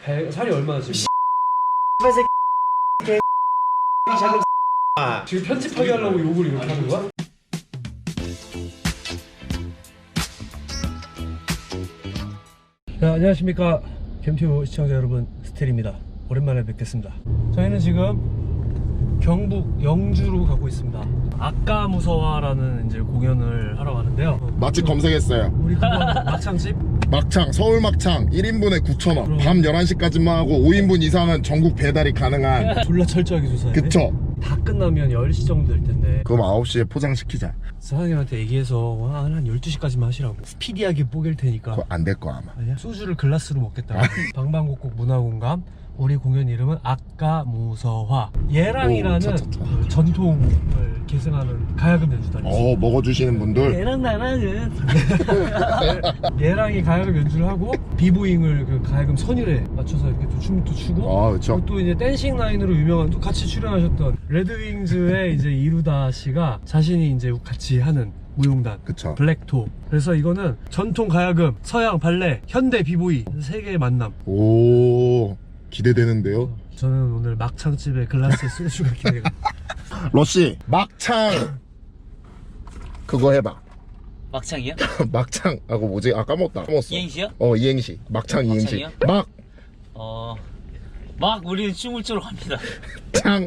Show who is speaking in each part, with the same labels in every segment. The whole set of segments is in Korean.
Speaker 1: 살이 얼마나 지금? 지금 편집하게 하려고 욕을 이렇게 하는 거야? 네, 안녕하십니까 캠튜브 시청자 여러분, 스텔입니다. 오랜만에 뵙겠습니다. 저희는 지금 경북 영주로 가고 있습니다. 아까무서와라는 이제 공연을 하러 가는데요.
Speaker 2: 맛집 검색했어요.
Speaker 1: 우리 그거 막창집?
Speaker 2: 막창, 서울 막창 1인분에 9,000원. 밤 11시까지만 하고 5인분 이상은 전국 배달이 가능한.
Speaker 1: 졸라 철저하게 조사해.
Speaker 2: 그쵸?
Speaker 1: 다 끝나면 10시 정도 될 텐데.
Speaker 2: 그럼 9시에 포장시키자.
Speaker 1: 사장님한테 얘기해서 한 12시까지만 하시라고. 스피디하게 뽀갤 테니까.
Speaker 2: 그거 안 될 거 아마.
Speaker 1: 아니야? 소주를 글라스로 먹겠다. 방방곡곡 문화공감. 우리 공연 이름은 아까무서화. 예랑이라는 그 전통을 계승하는 가야금 연주단이 있어요.
Speaker 2: 먹어주시는 분들.
Speaker 1: 얘랑 나랑은 얘랑이 가야금 연주를 하고 비보잉을 그 가야금 선율에 맞춰서 이렇게 또 춤도 추고.
Speaker 2: 그쵸.
Speaker 1: 또 이제 댄싱 라인으로 유명한 또 같이 출연하셨던 레드윙즈의 이제 이루다 씨가 자신이 이제 같이 하는 무용단
Speaker 2: 그쵸.
Speaker 1: 블랙토. 그래서 이거는 전통 가야금, 서양 발레, 현대 비보이 세 개의 만남.
Speaker 2: 오, 기대되는데요.
Speaker 1: 저는 오늘 막창집에 글라스에 소주가 기대가.
Speaker 2: 러시, 막창 그거 해봐.
Speaker 3: 막창이요?
Speaker 2: 막창하고 뭐지? 까먹었어.
Speaker 3: 이행시요?
Speaker 2: 이행시. 막창 이행시.
Speaker 3: 막창이요? 막 우리는 춤을 추러 갑니다.
Speaker 2: 창.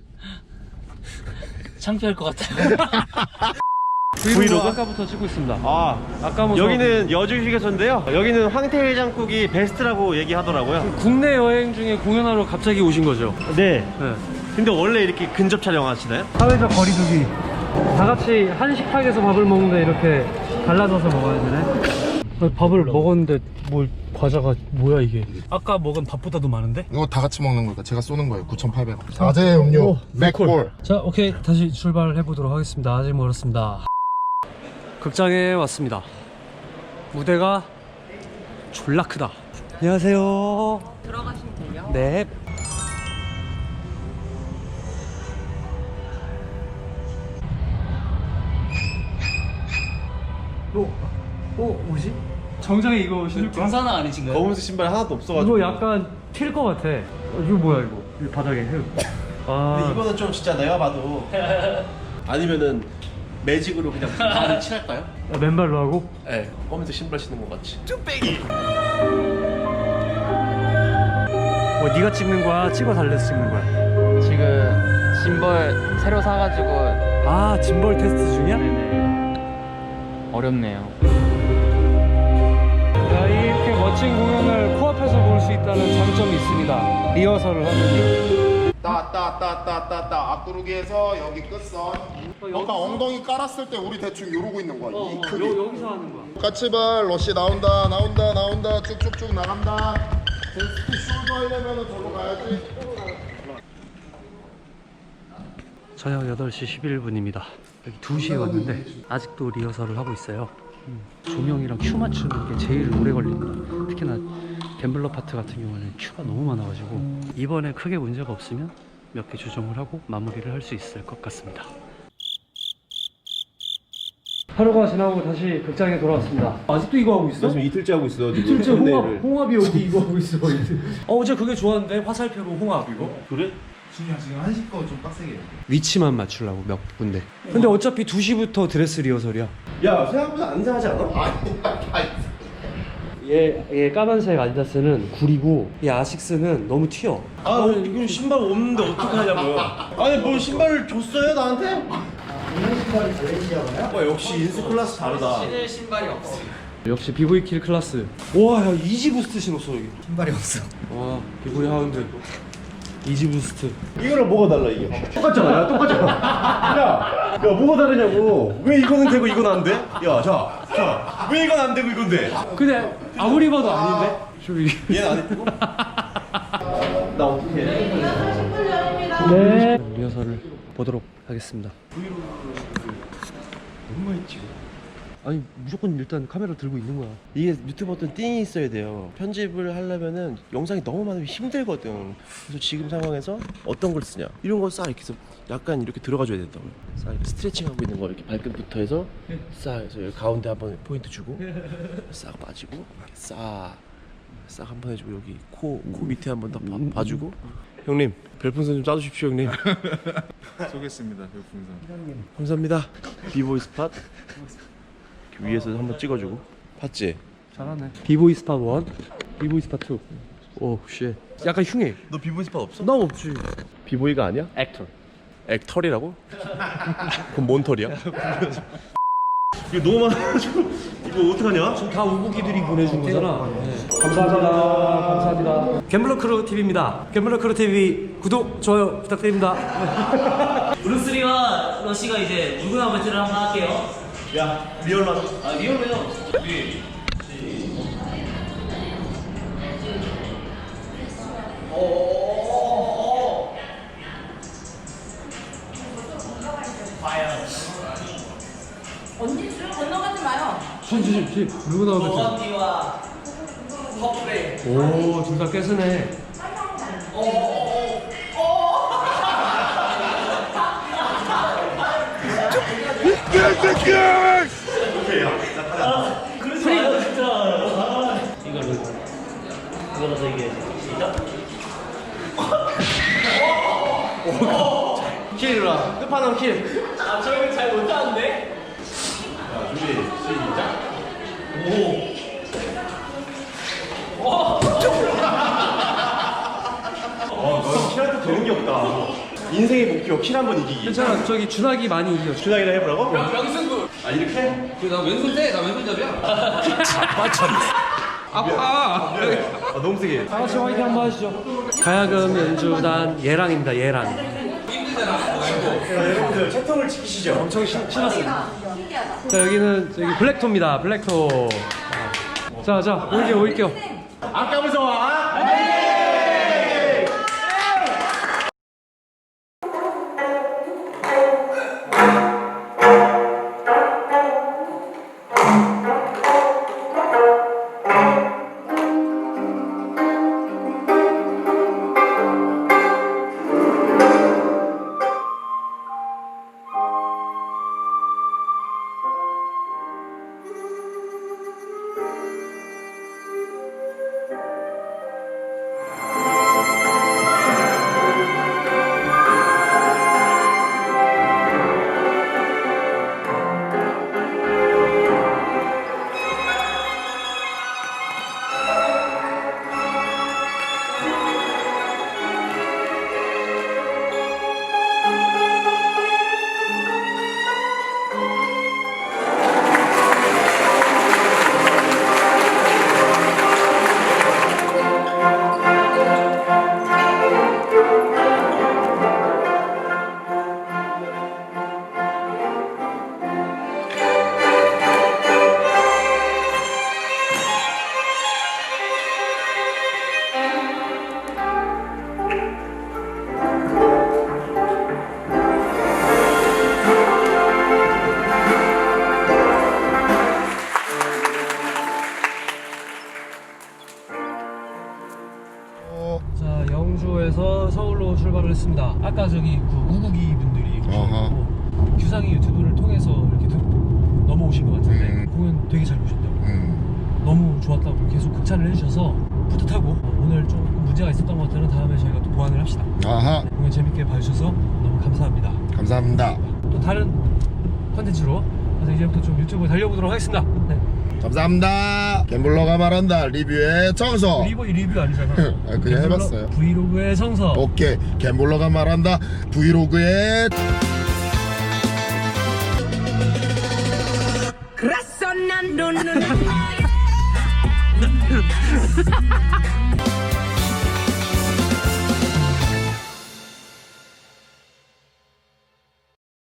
Speaker 3: 창피할 것 같아요.
Speaker 1: 브이로그 아까부터 찍고 있습니다. 아까부터
Speaker 4: 여기는 여주휴게소인데요. 여기는 황태해장국이 베스트라고 얘기하더라고요.
Speaker 1: 국내 여행 중에 공연하러 갑자기 오신 거죠?
Speaker 4: 네.
Speaker 1: 네.
Speaker 4: 근데 원래 이렇게 근접 촬영하시나요?
Speaker 1: 사회적 거리두기. 다 같이 한 식탁에서 밥을 먹는데 이렇게 갈라져서 먹어야 되네. 밥을 먹었는데 뭘 과자가 뭐야 이게? 아까 먹은 밥보다도 많은데?
Speaker 2: 이거 다 같이 먹는 거니까 제가 쏘는 거예요. 9,800원. 자제 음료 맥콜.
Speaker 1: 자, 오케이, 다시 출발해 보도록 하겠습니다. 아직 멀었습니다. 극장에 왔습니다. 무대가 졸라 크다. 안녕하세요.
Speaker 5: 들어가시면 돼요.
Speaker 1: 네. 뭐지? 정장에 이거 신을 거야?
Speaker 3: 등산화 아니신가요?
Speaker 4: 검은색 신발 하나도 없어가지고.
Speaker 1: 이거 약간 튈 것 같아. 이거 뭐야 이거? 이 바닥에 흙.
Speaker 4: 근데 이거는 좀 진짜 내가 봐도. 아니면은 매직으로 그냥 발을 칠할까요?
Speaker 1: 맨발로 하고?
Speaker 4: 네. 검은색 신발 신는 것 같이. 쭈빼기.
Speaker 1: 뭐 네가 찍는 거야? 찍어 달래서 찍는 거야?
Speaker 5: 지금 짐벌 새로 사가지고
Speaker 1: 아, 짐벌 테스트 중이야?
Speaker 5: 어렵네요.
Speaker 1: 자, 이렇게 멋진 공연을 코앞에서 볼 수 있다는 장점이 있습니다. 리허설을 하느니.
Speaker 2: 따따따따따따 앞구르기에서 여기 끝선. 아까 엉덩이 깔았을 때 우리 대충 이러고 있는 거야. 이 크기.
Speaker 1: 여기서 하는 거야.
Speaker 2: 까치발 러시 나온다 쭉쭉쭉 나간다. 데스크 숄더 하려면은 저로 가야지.
Speaker 1: 저녁 8시 11분입니다. 여기 2시에 왔는데 아직도 리허설을 하고 있어요. 조명이랑 큐 맞추는 게 제일 오래 걸립니다. 특히나 갬블러 파트 같은 경우는 큐가 너무 많아가지고 이번에 크게 문제가 없으면 몇 개 조정을 하고 마무리를 할 수 있을 것 같습니다. 하루가 지나고 다시 극장에 돌아왔습니다. 아직도 이거 하고 있어?
Speaker 4: 지금 이틀째 하고 있어요.
Speaker 1: 실제 홍합이 어디 이거 하고 있어. 어제 그게 좋았는데 화살표로 홍합 이거.
Speaker 4: 그래?
Speaker 2: 지금 한식 거 좀 빡세게 해요.
Speaker 1: 위치만 맞추려고 몇 군데. 근데 어차피 2시부터 드레스 리허설이야.
Speaker 4: 야, 생각보다 안 이상하지 않아?
Speaker 1: 얘 까만색 아디다스는 구리고 얘 아식스는 너무 튀어.
Speaker 4: 이건 신발 없는데 어떡하냐고요. 아니 뭘 신발을 줬어요 나한테? 이런 신발이 발렌시아가요? 역시 인스 클래스 다르다.
Speaker 5: 신을 신발이 없어요.
Speaker 1: 역시 비보이 킬 클래스. 와, 야, 이지 부스트 신었어 여기. 신발이 없어. 와, 비보이 하운드. 이지 부스트.
Speaker 4: 이거랑 뭐가 달라 이게? 똑같잖아. 야, 똑같잖아. 야, 뭐가 다르냐고. 왜 이거는 되고 이건 안 돼? 야, 자, 왜 이건 안 되고 이건 돼?
Speaker 1: 근데 아무리 봐도 아닌데?
Speaker 4: 얘는 안 예쁘고? 나 어떻게 해?
Speaker 1: 네. 리허설을 보도록 하겠습니다.
Speaker 4: 너무 많이 찍어.
Speaker 1: 아니, 무조건 일단 카메라 들고 있는 거야.
Speaker 4: 이게 유튜브 어떤 띵이 있어야 돼요. 편집을 하려면은 영상이 너무 많으면 힘들거든. 그래서 지금 상황에서 어떤 걸 쓰냐, 이런 거 싹 이렇게 해서 약간 이렇게 들어가줘야 된다고요. 싹 이렇게 스트레칭하고 있는 거 이렇게 발끝부터 해서 싹 해서 여기 가운데 한번 포인트 주고 싹 빠지고 싹 싹 한번 해주고 여기 코 밑에 한번 더 봐주고. 형님 별풍선 좀 쏴주십시오 형님.
Speaker 6: 쏘겠습니다. 별풍선.
Speaker 4: 감사합니다. 비보이 스팟 위에서 한번 찍어주고. 봤지?
Speaker 1: 잘하네. 비보이 스팟 1, 비보이 스팟 2. 오 쉣. 약간 흉해.
Speaker 4: 너 비보이 스팟 없어?
Speaker 1: 나 없지.
Speaker 4: 비보이가 아니야?
Speaker 1: 액터.
Speaker 4: 액털이라고? 그럼 뭔 털이야? 이거 너무 많아가지고 이거 어떡하냐?
Speaker 1: 지금 다 우부기들이 보내준 거잖아. 감사합니다. 감사합니다. 갬블러 크루 TV입니다. 갬블러 크루 TV 구독, 좋아요 부탁드립니다.
Speaker 3: 브루스리와 러시가 이제 누구나 배틀을 한번 할게요.
Speaker 4: 야 리얼로 하자.
Speaker 3: 아 리얼로요.
Speaker 7: 언니 줄 건너가지 마요.
Speaker 1: 집 누구 나오겠지?
Speaker 3: 언니와 커플의
Speaker 1: 오, 둘 다 깨스네.
Speaker 3: 이거라서 이게 시작.
Speaker 1: 킬이라. 끝판왕 킬.
Speaker 3: 아 저희는 잘 못하는데.
Speaker 4: 너 킬한테 되는 게 없다. 인생의 목표 킬 한 번 이기기.
Speaker 1: 괜찮아. 저기 준하기 많이 이겨.
Speaker 4: 준하기나 해보라고?
Speaker 5: 명승부.
Speaker 4: 아 이렇게?
Speaker 5: 나 왼손 돼. 나 왼손잡이야. 아파.
Speaker 4: 아 너무 세게.
Speaker 1: 다 같이 화이팅 한번 하시죠. 가야금 연주단 예랑입니다. 예랑.
Speaker 4: 여러분들 채통을 지키시죠.
Speaker 1: 엄청 신났습니다. 자 여기는 저기 블랙토입니다. 블랙토. 자 올게요.
Speaker 4: 아까 무서워.
Speaker 1: 자 영주에서 서울로 출발을 했습니다. 아까 저기 그 우국이 분들이 계셔가지고 규상이 유튜브를 통해서 이렇게 넘어오신 것 같은데 공연 되게 잘 보셨다고. 너무 좋았다고 계속 극찬을 해주셔서 뿌듯하고 오늘 조금 문제가 있었던 것들은 다음에 저희가 또 보완을 합시다.
Speaker 2: 아하.
Speaker 1: 공연 재밌게 봐주셔서 너무 감사합니다.
Speaker 2: 감사합니다.
Speaker 1: 또 다른 컨텐츠로 그래서 이제부터 좀 유튜브 달려보도록 하겠습니다. 네.
Speaker 2: 감사합니다. 갬블러가 말한다. 리뷰의 정석.
Speaker 1: 리뷰 아니잖아.
Speaker 2: 그냥 해봤어요.
Speaker 1: 브이로그의 정석.
Speaker 2: 오케이. 갬블러가 말한다. 브이로그의
Speaker 7: 그래서 난 눈을